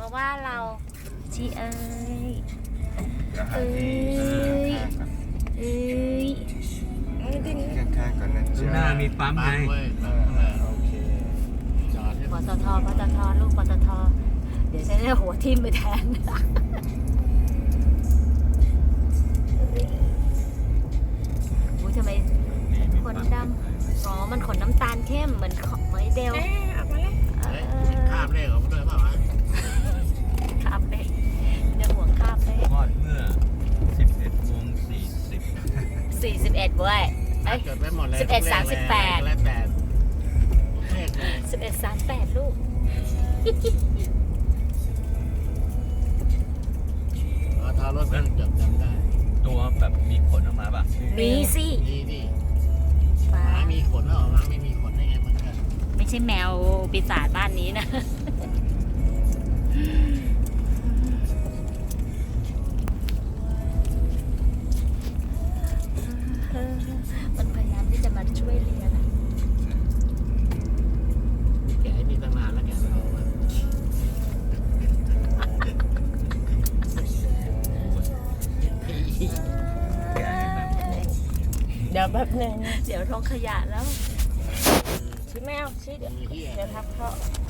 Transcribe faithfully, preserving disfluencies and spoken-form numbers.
มาว่าเราชีเอ้ยเอ้ยเอ้ยข้างๆก่อนนะข้างหน้ามีปั๊มไงโอเคจอดให้ปตทปตทลูกปตทเดี๋ยวฉันจะหัวทิ่มไปแทนอุ้ยทำไมขนดำอ๋อมันขนน้ำตาลเข้มเหมือนของไมเดลเฮ้ยคาบเลขออกมาด้วยเปล่าวะคาบเลยเดี๋ยวห่วงคาบเลยทอดเมื่อ สิบเอ็ดโมงสี่สิบสี่สิบเอ็ดเว้ยเอ้ยจดไว้หมดเลยสิบเอ็ดสามสิบแปดแล้วแต่เลขเลยสิบเอ็ดสามแปดลูกเอาทารถมันจดจำได้ตัวแบบมีขนออกมาป่ะมีสินี่ดิหฟ้ามามีขนแล้วออกมาไม่มีขนได้ไงมันก็ไม่ใช่แมวปีศาจบ้านนี้นะมันพยายามที่จะมาช่วยเลียนะแกะให้นี่ตั้งนานแล้วแกะไม่ออกมาเดี๋ยวแป๊บนึงเดี๋ยวท้องขยะแล้วชี้แมวชี้เดี๋ยวมีที่เดี๋ยวทับเขาเ